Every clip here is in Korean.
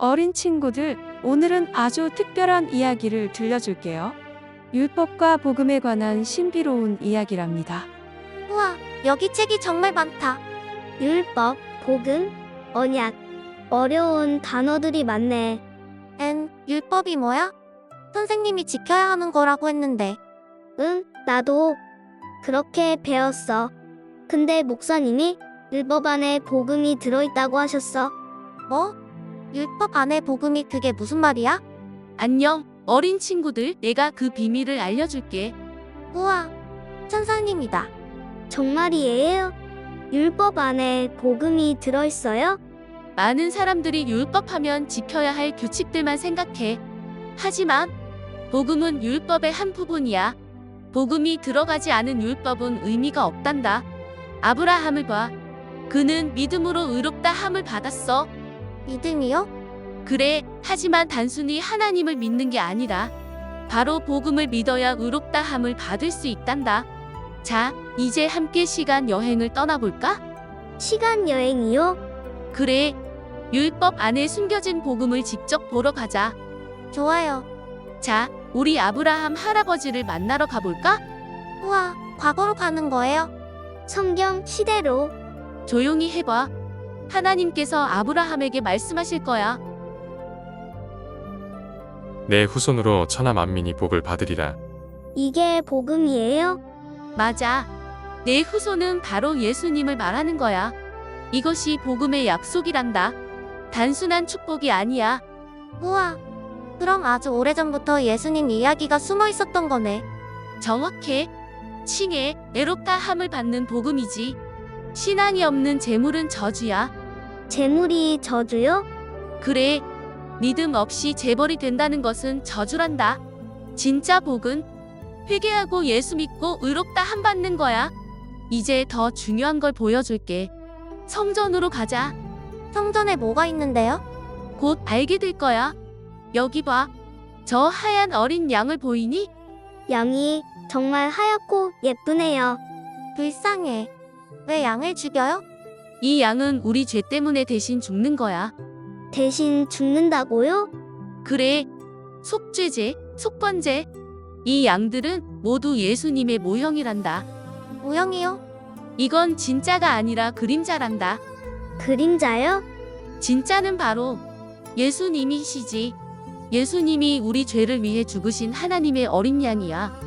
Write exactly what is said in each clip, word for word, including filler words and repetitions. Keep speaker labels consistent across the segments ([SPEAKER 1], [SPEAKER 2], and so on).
[SPEAKER 1] 어린 친구들, 오늘은 아주 특별한 이야기를 들려줄게요. 율법과 복음에 관한 신비로운 이야기랍니다.
[SPEAKER 2] 우와, 여기 책이 정말 많다.
[SPEAKER 3] 율법, 복음, 언약. 어려운 단어들이 많네.
[SPEAKER 2] 엔, 율법이 뭐야? 선생님이 지켜야 하는 거라고 했는데.
[SPEAKER 3] 응, 나도 그렇게 배웠어. 근데 목사님이 율법 안에 복음이 들어있다고 하셨어.
[SPEAKER 2] 뭐? 율법 안에 복음이 그게 무슨 말이야?
[SPEAKER 4] 안녕, 어린 친구들. 내가 그 비밀을 알려줄게.
[SPEAKER 2] 우와, 천사님이다.
[SPEAKER 3] 정말이에요? 율법 안에 복음이 들어있어요?
[SPEAKER 4] 많은 사람들이 율법하면 지켜야 할 규칙들만 생각해. 하지만 복음은 율법의 한 부분이야. 복음이 들어가지 않은 율법은 의미가 없단다. 아브라함을 봐. 그는 믿음으로 의롭다 함을 받았어.
[SPEAKER 2] 믿음이요?
[SPEAKER 4] 그래, 하지만 단순히 하나님을 믿는 게 아니라 바로 복음을 믿어야 의롭다 함을 받을 수 있단다. 자, 이제 함께 시간 여행을 떠나볼까?
[SPEAKER 3] 시간 여행이요?
[SPEAKER 4] 그래, 율법 안에 숨겨진 복음을 직접 보러 가자.
[SPEAKER 2] 좋아요.
[SPEAKER 4] 자, 우리 아브라함 할아버지를 만나러 가볼까?
[SPEAKER 2] 우와, 과거로 가는 거예요?
[SPEAKER 3] 성경 시대로.
[SPEAKER 4] 조용히 해봐. 하나님께서 아브라함에게 말씀하실 거야.
[SPEAKER 5] 내 후손으로 천하 만민이 복을 받으리라.
[SPEAKER 3] 이게 복음이에요?
[SPEAKER 4] 맞아. 내 후손은 바로 예수님을 말하는 거야. 이것이 복음의 약속이란다. 단순한 축복이 아니야.
[SPEAKER 2] 우와, 그럼 아주 오래전부터 예수님 이야기가 숨어 있었던 거네.
[SPEAKER 4] 정확해. 칭해, 애롭다 함을 받는 복음이지. 신앙이 없는 재물은 저주야.
[SPEAKER 3] 재물이 저주요?
[SPEAKER 4] 그래, 믿음 없이 재벌이 된다는 것은 저주란다. 진짜 복은 회개하고 예수 믿고 의롭다 함 받는 거야. 이제 더 중요한 걸 보여줄게. 성전으로 가자.
[SPEAKER 2] 성전에 뭐가 있는데요?
[SPEAKER 4] 곧 알게 될 거야. 여기 봐. 저 하얀 어린 양을 보이니?
[SPEAKER 3] 양이 정말 하얗고 예쁘네요.
[SPEAKER 2] 불쌍해. 왜 양을 죽여요?
[SPEAKER 4] 이 양은 우리 죄 때문에 대신 죽는 거야.
[SPEAKER 3] 대신 죽는다고요?
[SPEAKER 4] 그래, 속죄제, 속번제. 이 양들은 모두 예수님의 모형이란다.
[SPEAKER 2] 모형이요?
[SPEAKER 4] 이건 진짜가 아니라 그림자란다.
[SPEAKER 3] 그림자요?
[SPEAKER 4] 진짜는 바로 예수님이시지. 예수님이 우리 죄를 위해 죽으신 하나님의 어린 양이야.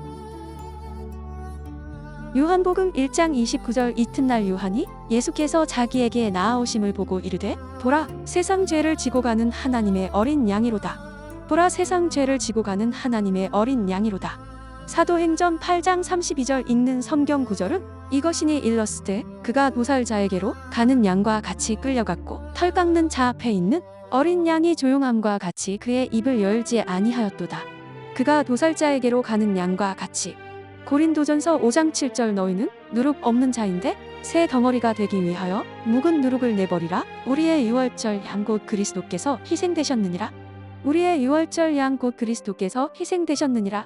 [SPEAKER 1] 요한복음 일 장 이십구 절. 이튿날 요한이 예수께서 자기에게 나아오심을 보고 이르되, 보라, 세상 죄를 지고 가는 하나님의 어린 양이로다. 보라, 세상 죄를 지고 가는 하나님의 어린 양이로다. 사도행전 팔 장 삼십이 절. 읽는 성경 구절은 이것이니 일러스되 그가 도살자에게로 가는 양과 같이 끌려갔고 털 깎는 자 앞에 있는 어린 양이 조용함과 같이 그의 입을 열지 아니하였도다. 그가 도살자에게로 가는 양과 같이. 고린도전서 오 장 칠 절. 너희는 누룩 없는 자인데 새 덩어리가 되기 위하여 묵은 누룩을 내버리라. 우리의 유월절 양 곧 그리스도께서 희생되셨느니라. 우리의 유월절 양 곧 그리스도께서 희생되셨느니라.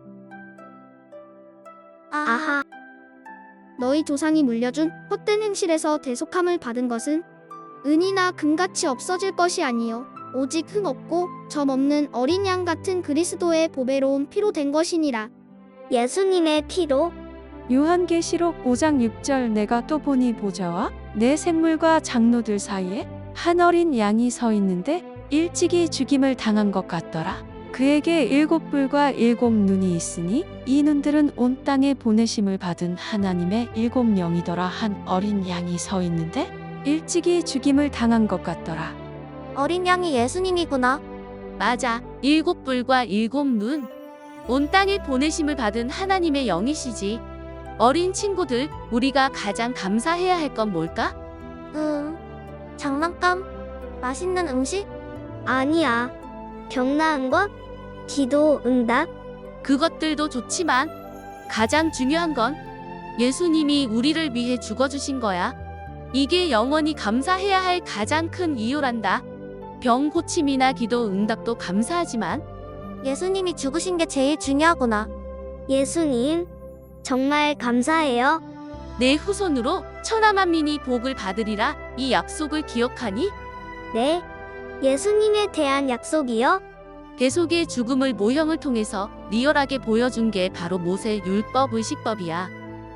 [SPEAKER 2] 아,
[SPEAKER 3] 아하.
[SPEAKER 6] 너희 조상이 물려준 헛된 행실에서 대속함을 받은 것은 은이나 금같이 없어질 것이 아니요 오직 흠 없고 점 없는 어린 양 같은 그리스도의 보배로운 피로 된 것이니라.
[SPEAKER 3] 예수님의 피로?
[SPEAKER 1] 요한계시록 오 장 육 절. 내가 또 보니 보좌와 내 생물과 장로들 사이에 한 어린 양이 서 있는데 일찍이 죽임을 당한 것 같더라. 그에게 일곱 뿔과 일곱 눈이 있으니 이 눈들은 온 땅에 보내심을 받은 하나님의 일곱 영이더라. 한 어린 양이 서 있는데 일찍이 죽임을 당한 것 같더라.
[SPEAKER 2] 어린 양이 예수님이구나.
[SPEAKER 4] 맞아, 일곱 뿔과 일곱 눈. 온 땅에 보내심을 받은 하나님의 영이시지. 어린 친구들, 우리가 가장 감사해야 할 건 뭘까?
[SPEAKER 2] 음, 장난감? 맛있는 음식?
[SPEAKER 3] 아니야. 병 나은 것? 기도 응답?
[SPEAKER 4] 그것들도 좋지만 가장 중요한 건 예수님이 우리를 위해 죽어주신 거야. 이게 영원히 감사해야 할 가장 큰 이유란다. 병 고침이나 기도 응답도 감사하지만
[SPEAKER 2] 예수님이 죽으신 게 제일 중요하구나.
[SPEAKER 3] 예수님, 정말 감사해요.
[SPEAKER 4] 내 후손으로 천하 만민이 복을 받으리라. 이 약속을 기억하니?
[SPEAKER 3] 네, 예수님에 대한 약속이요?
[SPEAKER 4] 대속의 죽음을 모형을 통해서 리얼하게 보여준 게 바로 모세 율법 의식법이야.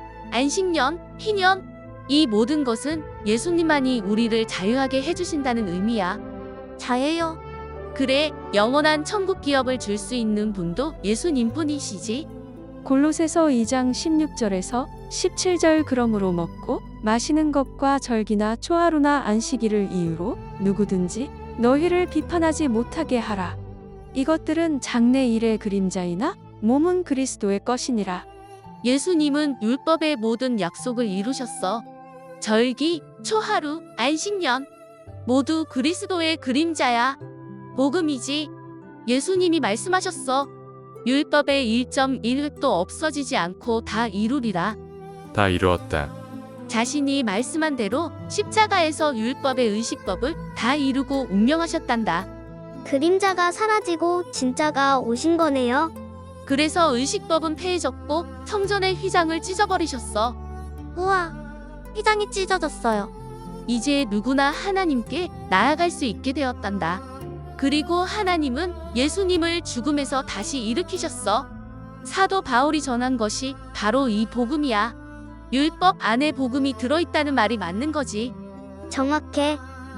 [SPEAKER 4] 안식년, 희년, 이 모든 것은 예수님만이 우리를 자유하게 해주신다는 의미야.
[SPEAKER 2] 자유요?
[SPEAKER 4] 그래, 영원한 천국 기업을 줄 수 있는 분도 예수님뿐이시지.
[SPEAKER 1] 골로새서 이 장 십육 절에서 십칠 절 그러므로 먹고 마시는 것과 절기나 초하루나 안식일을 이유로 누구든지 너희를 비판하지 못하게 하라. 이것들은 장래일의 그림자이나 몸은 그리스도의 것이니라.
[SPEAKER 4] 예수님은 율법의 모든 약속을 이루셨어. 절기, 초하루, 안식년 모두 그리스도의 그림자야. 복음이지. 예수님이 말씀하셨어. 율법의 일 점 일 획도 없어지지 않고 다 이루리라.
[SPEAKER 5] 다 이루었다.
[SPEAKER 4] 자신이 말씀한 대로 십자가에서 율법의 의식법을 다 이루고 운명하셨단다.
[SPEAKER 3] 그림자가 사라지고 진짜가 오신 거네요.
[SPEAKER 4] 그래서 의식법은 폐해졌고 성전의 휘장을 찢어버리셨어.
[SPEAKER 2] 우와, 휘장이 찢어졌어요.
[SPEAKER 4] 이제 누구나 하나님께 나아갈 수 있게 되었단다. 그리고 하나님은 예수님을 죽음에서 다시 일으키셨어. 사도 바울이 전한 것이 바로 이 복음이야. 율법 안에 복음이 들어있다는 말이 맞는 거지.
[SPEAKER 3] 정확해.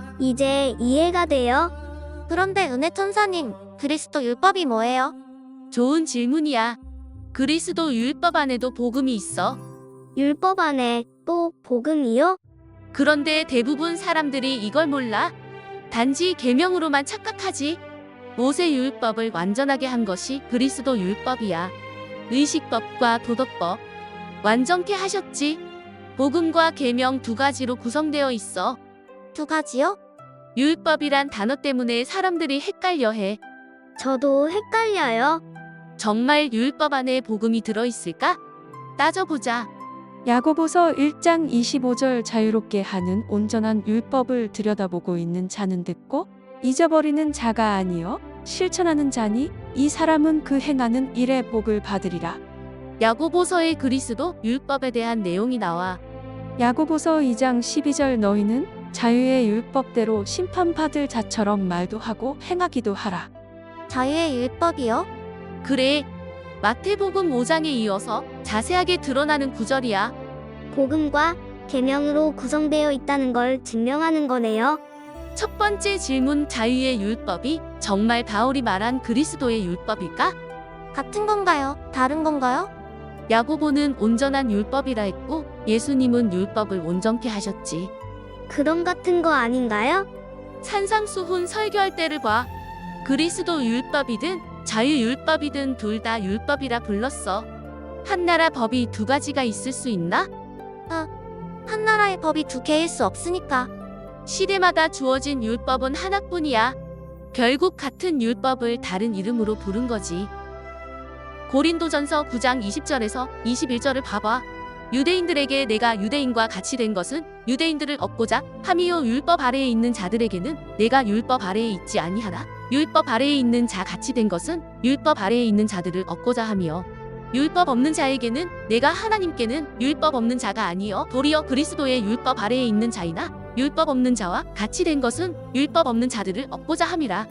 [SPEAKER 3] 이제 이해가 돼요.
[SPEAKER 2] 그런데 은혜 천사님, 그리스도 율법이 뭐예요?
[SPEAKER 4] 좋은 질문이야. 그리스도 율법 안에도 복음이 있어.
[SPEAKER 3] 율법 안에 또 복음이요?
[SPEAKER 4] 그런데 대부분 사람들이 이걸 몰라. 단지 계명으로만 착각하지. 모세 율법을 완전하게 한 것이 그리스도 율법이야. 의식법과 도덕법 완전케 하셨지. 복음과 계명 두 가지로 구성되어 있어.
[SPEAKER 2] 두 가지요?
[SPEAKER 4] 율법이란 단어 때문에 사람들이 헷갈려해.
[SPEAKER 3] 저도 헷갈려요.
[SPEAKER 4] 정말 율법 안에 복음이 들어있을까? 따져보자.
[SPEAKER 1] 야고보서 일 장 이십오 절 자유롭게 하는 온전한 율법을 들여다보고 있는 자는 듣고 잊어버리는 자가 아니요 실천하는 자니 이 사람은 그 행하는 일의 복을 받으리라.
[SPEAKER 4] 야고보서의 그리스도 율법에 대한 내용이 나와.
[SPEAKER 1] 야고보서 이 장 십이 절 너희는 자유의 율법대로 심판받을 자처럼 말도 하고 행하기도 하라.
[SPEAKER 2] 자유의 율법이요?
[SPEAKER 4] 그래. 마태복음 오 장에 이어서 자세하게 드러나는 구절이야.
[SPEAKER 3] 복음과 계명으로 구성되어 있다는 걸 증명하는 거네요.
[SPEAKER 4] 첫 번째 질문, 자유의 율법이 정말 바울이 말한 그리스도의 율법일까?
[SPEAKER 2] 같은 건가요? 다른 건가요?
[SPEAKER 4] 야고보는 온전한 율법이라 했고 예수님은 율법을 온전케 하셨지.
[SPEAKER 3] 그럼 같은 거 아닌가요?
[SPEAKER 4] 산상수훈 설교할 때를 봐. 그리스도 율법이든 자유율법이든 둘 다 율법이라 불렀어. 한 나라 법이 두 가지가 있을 수 있나?
[SPEAKER 2] 한 나라의 법이 두 개일 수 없으니까.
[SPEAKER 4] 시대마다 주어진 율법은 하나뿐이야. 결국 같은 율법을 다른 이름으로 부른 거지. 고린도전서 구 장 이십 절에서 이십일 절을 봐봐. 유대인들에게 내가 유대인과 같이 된 것은 유대인들을 얻고자 함이요 율법 아래에 있는 자들에게는 내가 율법 아래에 있지 아니하나 율법 아래에 있는 자 같이 된 것은 율법 아래에 있는 자들을 얻고자 함이요 율법 없는 자에게는 내가 하나님께는 율법 없는 자가 아니요 도리어 그리스도의 율법 아래에 있는 자이나 율법 없는 자와 같이 된 것은 율법 없는 자들을 얻고자 함이라.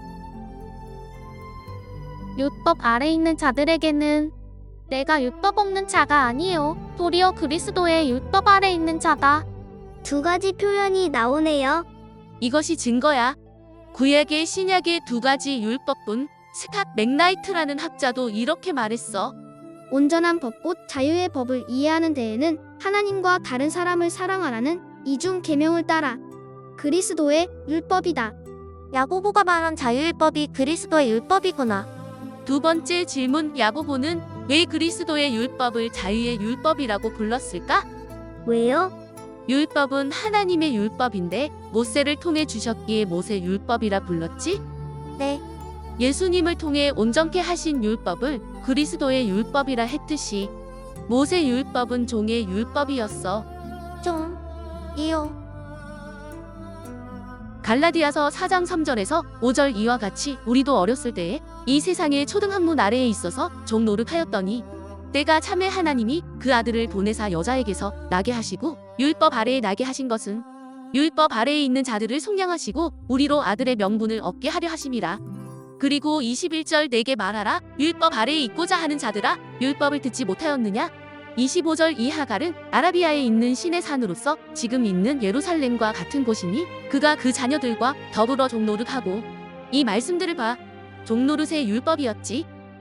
[SPEAKER 7] 율법 아래 있는 자들에게는 내가 율법 없는 자가 아니요 도리어 그리스도의 율법 아래 있는 자다.
[SPEAKER 3] 두 가지 표현이 나오네요.
[SPEAKER 4] 이것이 증거야. 구약의 신약의 두 가지 율법뿐. 스캇 맥나이트라는 학자도 이렇게 말했어.
[SPEAKER 6] 온전한 법곧 자유의 법을 이해하는 데에는 하나님과 다른 사람을 사랑하라는 이중 계명을 따라 그리스도의 율법이다.
[SPEAKER 2] 야고보가 말한 자유율법이 그리스도의 율법이구나.
[SPEAKER 4] 두 번째 질문, 야고보는 왜 그리스도의 율법을 자유의 율법이라고 불렀을까?
[SPEAKER 3] 왜요?
[SPEAKER 4] 율법은 하나님의 율법인데 모세를 통해 주셨기에 모세 율법이라 불렀지?
[SPEAKER 2] 네.
[SPEAKER 4] 예수님을 통해 온전케 하신 율법을 그리스도의 율법이라 했듯이 모세 율법은 종의 율법이었어.
[SPEAKER 2] 좀 이요.
[SPEAKER 4] 갈라디아서 사 장 삼 절에서 오 절 이와 같이 우리도 어렸을 때에 이 세상의 초등학문 아래에 있어서 종 노릇하였더니 때가 참에 하나님이 그 아들을 보내사 여자에게서 나게 하시고 율법 아래에 나게 하신 것은 율법 아래에 있는 자들을 속량하시고 우리로 아들의 명분을 얻게 하려 하심이라. 그리고 이십일 절 내게 말하라. 율법 아래에 있고자 하는 자들아, 율법을 듣지 못하였느냐? 이십오 절 이 하갈은 아라비아에 있는 신의 산으로서 지금 있는 예루살렘과 같은 곳이니 그가 그 자녀들과 더불어 종노릇하고. 이 말씀들을 봐. 종노릇의 율법이었지.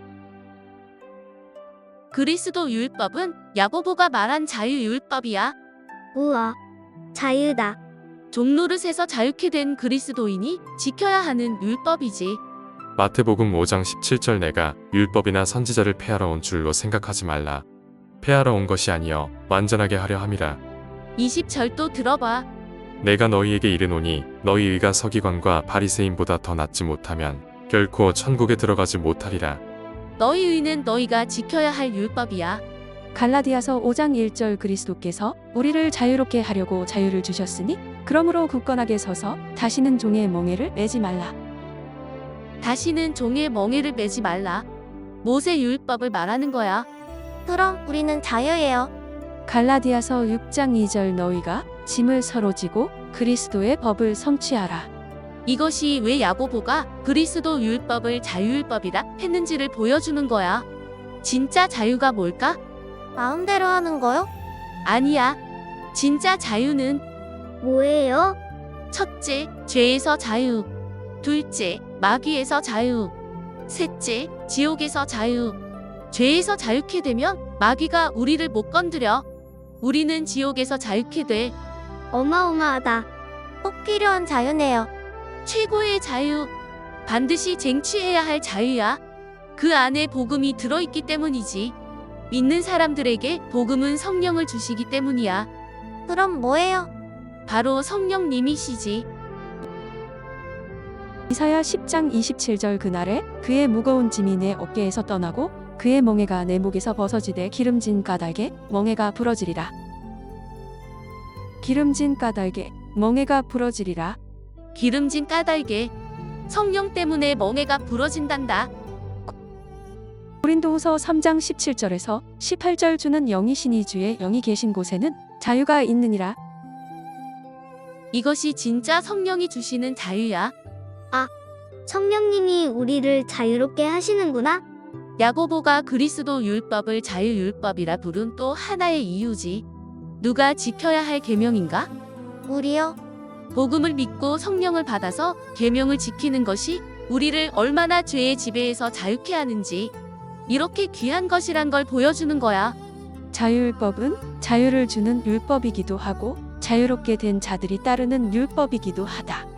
[SPEAKER 4] 그리스도 율법은 야고보가 말한 자유율법이야.
[SPEAKER 3] 우와, 자유다.
[SPEAKER 4] 종노릇에서 자유케 된 그리스도인이 지켜야 하는 율법이지.
[SPEAKER 5] 마태복음 오 장 십칠 절 내가 율법이나 선지자를 폐하러 온 줄로 생각하지 말라. 폐하러 온 것이 아니여 완전하게 하려 함이라.
[SPEAKER 4] 이십 절 또 들어봐.
[SPEAKER 5] 내가 너희에게 이르노니 너희 의가 서기관과 바리새인보다 더 낫지 못하면 결코 천국에 들어가지 못하리라.
[SPEAKER 4] 너희 의는 너희가 지켜야 할 율법이야.
[SPEAKER 1] 갈라디아서 오 장 일 절 그리스도께서 우리를 자유롭게 하려고 자유를 주셨으니 그러므로 굳건하게 서서 다시는 종의 멍에를 매지 말라.
[SPEAKER 4] 다시는 종의 멍에를 매지 말라. 모세 율법을 말하는 거야.
[SPEAKER 2] 그럼 우리는 자유예요.
[SPEAKER 1] 갈라디아서 육 장 이 절 너희가 짐을 서로 지고 그리스도의 법을 성취하라.
[SPEAKER 4] 이것이 왜 야고보가 그리스도 율법을 자유율법이라 했는지를 보여주는 거야. 진짜 자유가 뭘까?
[SPEAKER 2] 마음대로 하는 거요?
[SPEAKER 4] 아니야. 진짜 자유는
[SPEAKER 3] 뭐예요?
[SPEAKER 4] 첫째, 죄에서 자유. 둘째, 마귀에서 자유. 셋째, 지옥에서 자유. 죄에서 자유케 되면 마귀가 우리를 못 건드려. 우리는 지옥에서 자유케 돼.
[SPEAKER 3] 어마어마하다.
[SPEAKER 2] 꼭 필요한 자유네요.
[SPEAKER 4] 최고의 자유. 반드시 쟁취해야 할 자유야. 그 안에 복음이 들어있기 때문이지. 믿는 사람들에게 복음은 성령을 주시기 때문이야.
[SPEAKER 2] 그럼 뭐예요?
[SPEAKER 4] 바로 성령님이시지.
[SPEAKER 1] 이사야 십 장 이십칠 절 그날에 그의 무거운 짐이 내 어깨에서 떠나고 그의 멍에가 내 목에서 벗어지되 기름진 까닭에 멍에가 부러지리라. 기름진 까닭에 멍에가 부러지리라.
[SPEAKER 4] 기름진 까닭에 성령 때문에 멍에가 부러진단다.
[SPEAKER 1] 고린도후서 삼 장 십칠 절에서 십팔 절 주는 영이시니 주의 영이 계신 곳에는 자유가 있느니라.
[SPEAKER 4] 이것이 진짜 성령이 주시는 자유야.
[SPEAKER 3] 성령님이 우리를 자유롭게 하시는구나.
[SPEAKER 4] 야고보가 그리스도 율법을 자유율법이라 부른 또 하나의 이유지. 누가 지켜야 할 계명인가?
[SPEAKER 2] 우리요?
[SPEAKER 4] 복음을 믿고 성령을 받아서 계명을 지키는 것이 우리를 얼마나 죄의 지배에서 자유케 하는지, 이렇게 귀한 것이란 걸 보여주는 거야.
[SPEAKER 1] 자유율법은 자유를 주는 율법이기도 하고 자유롭게 된 자들이 따르는 율법이기도 하다.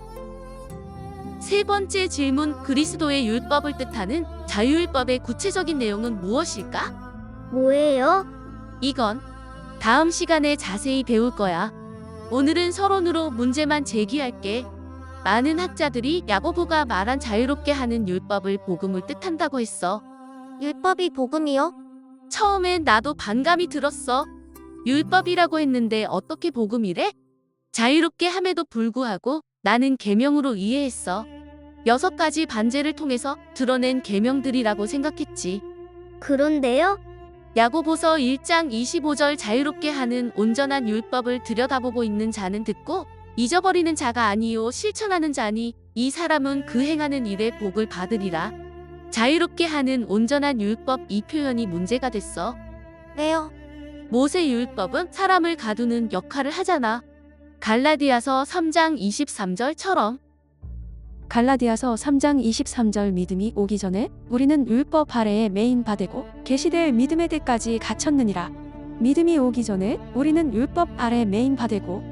[SPEAKER 4] 세 번째 질문, 그리스도의 율법을 뜻하는 자유율법의 구체적인 내용은 무엇일까?
[SPEAKER 3] 뭐예요?
[SPEAKER 4] 이건 다음 시간에 자세히 배울 거야. 오늘은 서론으로 문제만 제기할게. 많은 학자들이 야고보가 말한 자유롭게 하는 율법을 복음을 뜻한다고 했어.
[SPEAKER 2] 율법이 복음이요?
[SPEAKER 4] 처음엔 나도 반감이 들었어. 율법이라고 했는데 어떻게 복음이래? 자유롭게 함에도 불구하고 나는 계명으로 이해했어. 여섯 가지 반제를 통해서 드러낸 계명들이라고 생각했지.
[SPEAKER 3] 그런데요?
[SPEAKER 4] 야고보서 일 장 이십오 절 자유롭게 하는 온전한 율법을 들여다보고 있는 자는 듣고 잊어버리는 자가 아니요 실천하는 자니 이 사람은 그 행하는 일에 복을 받으리라. 자유롭게 하는 온전한 율법, 이 표현이 문제가 됐어.
[SPEAKER 2] 왜요?
[SPEAKER 4] 모세 율법은 사람을 가두는 역할을 하잖아. 갈라디아서 삼 장 이십삼 절처럼.
[SPEAKER 1] 갈라디아서 삼 장 이십삼 절 믿음이 오기 전에 우리는 율법 아래에 매인 바되고 계시될 믿음의 때까지 갇혔느니라. 믿음이 오기 전에 우리는 율법 아래 매인 바되고.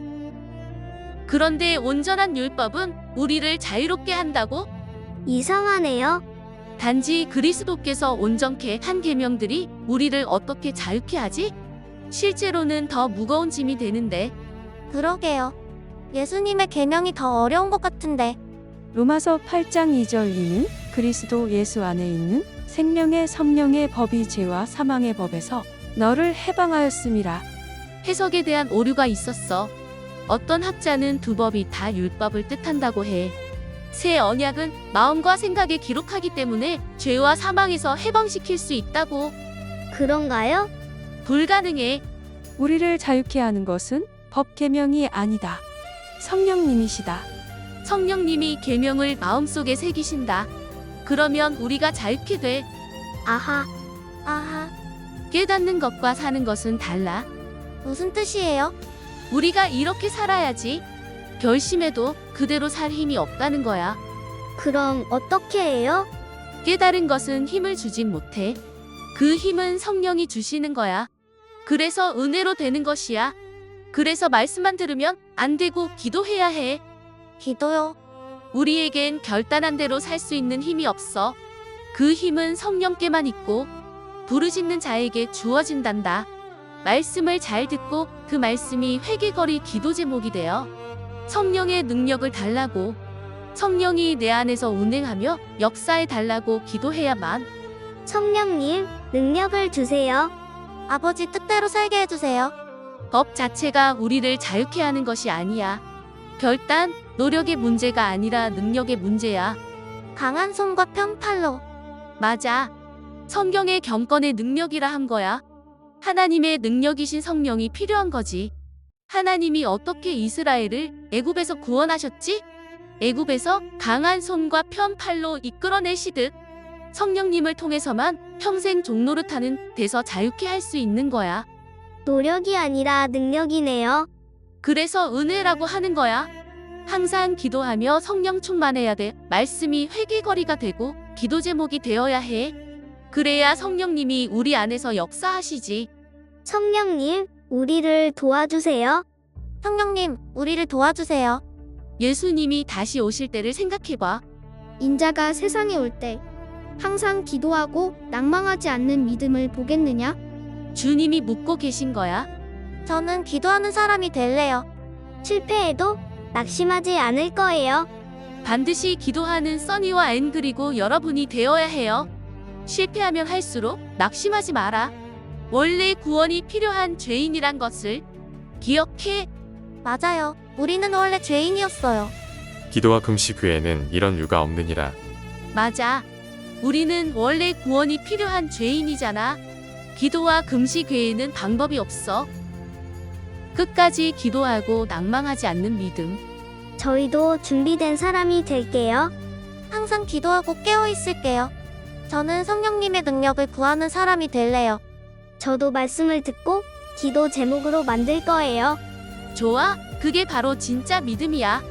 [SPEAKER 4] 그런데 온전한 율법은 우리를 자유롭게 한다고?
[SPEAKER 3] 이상하네요.
[SPEAKER 4] 단지 그리스도께서 온전케 한 계명들이 우리를 어떻게 자유케 하지? 실제로는 더 무거운 짐이 되는데.
[SPEAKER 2] 그러게요. 예수님의 계명이 더 어려운 것 같은데.
[SPEAKER 1] 로마서 팔 장 이 절 이는 그리스도 예수 안에 있는 생명의 성령의 법이 죄와 사망의 법에서 너를 해방하였음이라.
[SPEAKER 4] 해석에 대한 오류가 있었어. 어떤 학자는 두 법이 다 율법을 뜻한다고 해. 새 언약은 마음과 생각에 기록하기 때문에 죄와 사망에서 해방시킬 수 있다고.
[SPEAKER 3] 그런가요?
[SPEAKER 4] 불가능해.
[SPEAKER 1] 우리를 자유케 하는 것은 법 계명이 아니다. 성령님이시다.
[SPEAKER 4] 성령님이 계명을 마음속에 새기신다. 그러면 우리가 자유케 돼.
[SPEAKER 3] 아하,
[SPEAKER 2] 아하,
[SPEAKER 4] 깨닫는 것과 사는 것은 달라.
[SPEAKER 2] 무슨 뜻이에요?
[SPEAKER 4] 우리가 이렇게 살아야지. 결심해도 그대로 살 힘이 없다는 거야.
[SPEAKER 3] 그럼 어떻게 해요?
[SPEAKER 4] 깨달은 것은 힘을 주진 못해. 그 힘은 성령이 주시는 거야. 그래서 은혜로 되는 것이야. 그래서 말씀만 들으면 안 되고 기도해야 해.
[SPEAKER 2] 기도요.
[SPEAKER 4] 우리에겐 결단한 대로 살 수 있는 힘이 없어. 그 힘은 성령께만 있고 부르짖는 자에게 주어진단다. 말씀을 잘 듣고 그 말씀이 회개거리 기도 제목이 되어 성령의 능력을 달라고, 성령이 내 안에서 운행하며 역사해 달라고 기도해야만.
[SPEAKER 3] 성령님, 능력을 주세요.
[SPEAKER 2] 아버지 뜻대로 살게 해주세요.
[SPEAKER 4] 법 자체가 우리를 자유케 하는 것이 아니야. 결단, 노력의 문제가 아니라 능력의 문제야.
[SPEAKER 2] 강한 손과 평팔로.
[SPEAKER 4] 맞아. 성경의 경건의 능력이라 한 거야. 하나님의 능력이신 성령이 필요한 거지. 하나님이 어떻게 이스라엘을 애굽에서 구원하셨지? 애굽에서 강한 손과 편 팔로 이끌어내시듯 성령님을 통해서만 평생 종노릇하는 데서 자유케 할 수 있는 거야.
[SPEAKER 3] 노력이 아니라 능력이네요.
[SPEAKER 4] 그래서 은혜라고 하는 거야. 항상 기도하며 성령 충만해야 돼. 말씀이 회개거리가 되고 기도 제목이 되어야 해. 그래야 성령님이 우리 안에서 역사하시지.
[SPEAKER 3] 성령님, 우리를 도와주세요.
[SPEAKER 2] 성령님, 우리를 도와주세요.
[SPEAKER 4] 예수님이 다시 오실 때를 생각해봐.
[SPEAKER 6] 인자가 세상에 올 때 항상 기도하고 낭망하지 않는 믿음을 보겠느냐?
[SPEAKER 4] 주님이 묻고 계신 거야.
[SPEAKER 2] 저는 기도하는 사람이 될래요.
[SPEAKER 3] 실패해도 낙심하지 않을 거예요.
[SPEAKER 4] 반드시 기도하는 써니와 앤 그리고 여러분이 되어야 해요. 실패하면 할수록 낙심하지 마라. 원래 구원이 필요한 죄인이란 것을 기억해.
[SPEAKER 2] 맞아요. 우리는 원래 죄인이었어요.
[SPEAKER 5] 기도와 금식 외에는 이런 유가 없느니라.
[SPEAKER 4] 맞아. 우리는 원래 구원이 필요한 죄인이잖아. 기도와 금식 외에는 방법이 없어. 끝까지 기도하고 낭망하지 않는 믿음.
[SPEAKER 3] 저희도 준비된 사람이 될게요.
[SPEAKER 2] 항상 기도하고 깨어 있을게요. 저는 성령님의 능력을 구하는 사람이 될래요.
[SPEAKER 3] 저도 말씀을 듣고 기도 제목으로 만들 거예요.
[SPEAKER 4] 좋아. 그게 바로 진짜 믿음이야.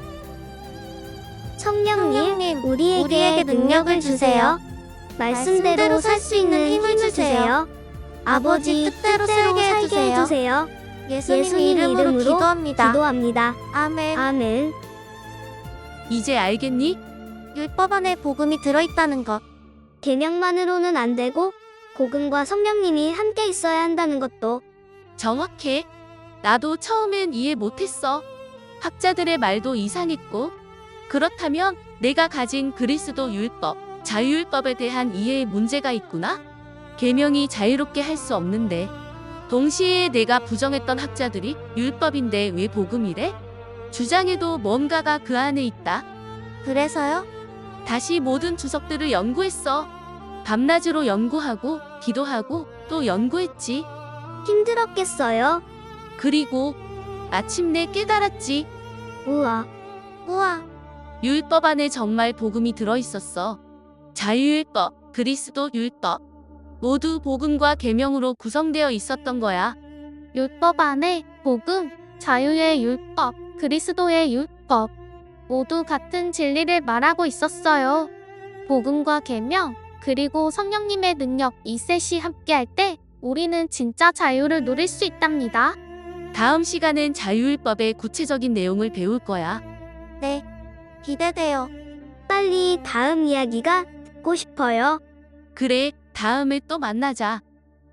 [SPEAKER 3] 성령님,
[SPEAKER 2] 성령님,
[SPEAKER 3] 우리에게,
[SPEAKER 2] 우리에게 능력을 주세요.
[SPEAKER 3] 말씀대로 살 수 있는 힘을 주세요. 아버지 뜻대로 살게
[SPEAKER 2] 해주세요.
[SPEAKER 3] 해주세요.
[SPEAKER 2] 예수님,
[SPEAKER 3] 예수님
[SPEAKER 2] 이름으로,
[SPEAKER 3] 이름으로
[SPEAKER 2] 기도합니다.
[SPEAKER 3] 기도합니다.
[SPEAKER 2] 아멘.
[SPEAKER 3] 아멘.
[SPEAKER 4] 이제 알겠니?
[SPEAKER 2] 율법 안에 복음이 들어있다는 것.
[SPEAKER 3] 계명만으로는 안 되고 복음과 성령님이 함께 있어야 한다는 것도.
[SPEAKER 4] 정확해. 나도 처음엔 이해 못했어. 학자들의 말도 이상했고. 그렇다면 내가 가진 그리스도 율법, 자유율법에 대한 이해에 문제가 있구나? 계명이 자유롭게 할 수 없는데. 동시에 내가 부정했던 학자들이 율법인데 왜 복음이래? 주장해도 뭔가가 그 안에 있다.
[SPEAKER 2] 그래서요?
[SPEAKER 4] 다시 모든 주석들을 연구했어. 밤낮으로 연구하고 기도하고 또 연구했지.
[SPEAKER 3] 힘들었겠어요.
[SPEAKER 4] 그리고 마침내 깨달았지.
[SPEAKER 3] 우와.
[SPEAKER 2] 우와.
[SPEAKER 4] 율법 안에 정말 복음이 들어있었어. 자유율법, 그리스도 율법. 모두 복음과 계명으로 구성되어 있었던 거야.
[SPEAKER 7] 율법 안에 복음, 자유의 율법, 그리스도의 율법 모두 같은 진리를 말하고 있었어요. 복음과 계명, 그리고 성령님의 능력 이 셋이 함께할 때 우리는 진짜 자유를 누릴 수 있답니다.
[SPEAKER 4] 다음 시간엔 자유율법의 구체적인 내용을 배울 거야.
[SPEAKER 2] 네. 기대돼요.
[SPEAKER 3] 빨리 다음 이야기가 듣고 싶어요.
[SPEAKER 4] 그래, 다음에 또 만나자.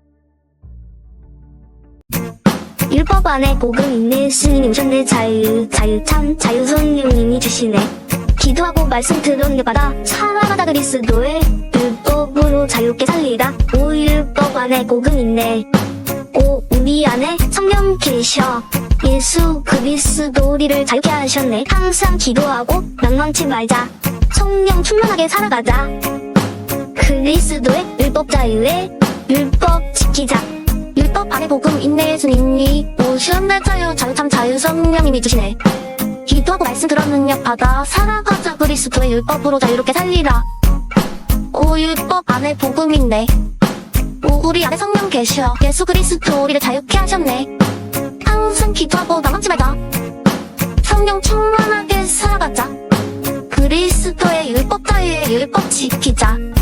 [SPEAKER 3] 율법 안에 복음 있네. 예수님이 오셨네. 자유 자유 참 자유 성령님이 주시네. 기도하고 말씀 들었네. 받아 살아가다 그리스도의 율법으로 자유롭게 살리다. 오 율법 안에 복음 있네. 오 우리 안에 성령 계셔. 예수 그리스도 우리를 자유케 하셨네. 항상 기도하고 낭망치 말자. 성령 충만하게 살아가자. 그리스도의 율법 자유의 율법 지키자. 율 율법 안에 복음 인내 예수님이 오시는 자유 자유 참 자유 성령님이 주시네. 기도하고 말씀 들은 능력 받아 살아가자. 그리스도의 율법으로 자유롭게 살리라. 오 율법 안에 복음 있네. 오 우리 안에 성령 계셔. 예수 그리스도 우리를 자유케 하셨네. 항상 기도하고 나가지 말자. 성령 충만하게 살아가자. 그리스도의 율법 자유의 율법 지키자.